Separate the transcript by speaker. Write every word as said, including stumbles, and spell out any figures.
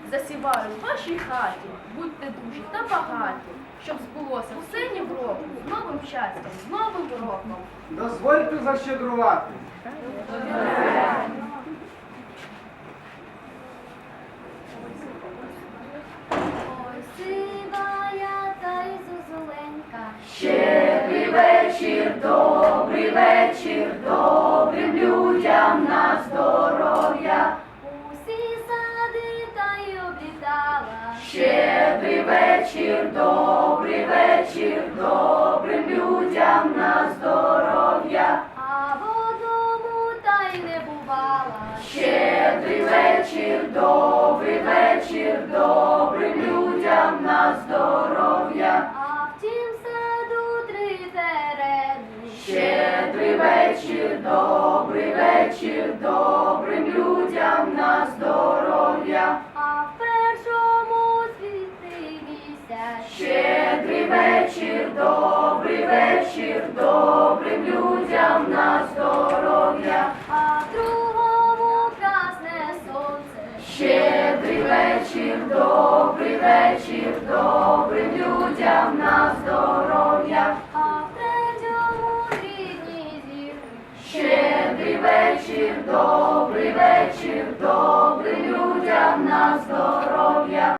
Speaker 1: засіваю в вашій хаті. Будьте дужі та багаті, щоб збулося все ні в року, з новим щастям, з новим роком.
Speaker 2: Дозвольте защедрувати.
Speaker 3: Ой, сивая та й зозуленька.
Speaker 4: Щедрий вечір, добрий вечір, добрим людям на здоров'я.
Speaker 3: Усі сади та й облітала.
Speaker 4: Щедрий вечір, добрий вечір, добрим людям на здоров'я.
Speaker 3: А в одному та й не бувала.
Speaker 4: Щедрий вечір, добрий вечір, добрим людям на здоров'я.
Speaker 3: А в тім саду три терени.
Speaker 4: Щедрий вечір, добрий вечір, добрим людям на здоров'я.
Speaker 3: А в першому світи місяць.
Speaker 4: Щедрий вечір, добрий вечір, добрим людям на здоров'я.
Speaker 3: А в другому красне сонце.
Speaker 4: Щедрий вечір, добрий вечір, добрим людям на здоров'я.
Speaker 3: А в третьому рідні зірки.
Speaker 4: Щедрий вечір, добрий вечір, добрим людям на здоров'я.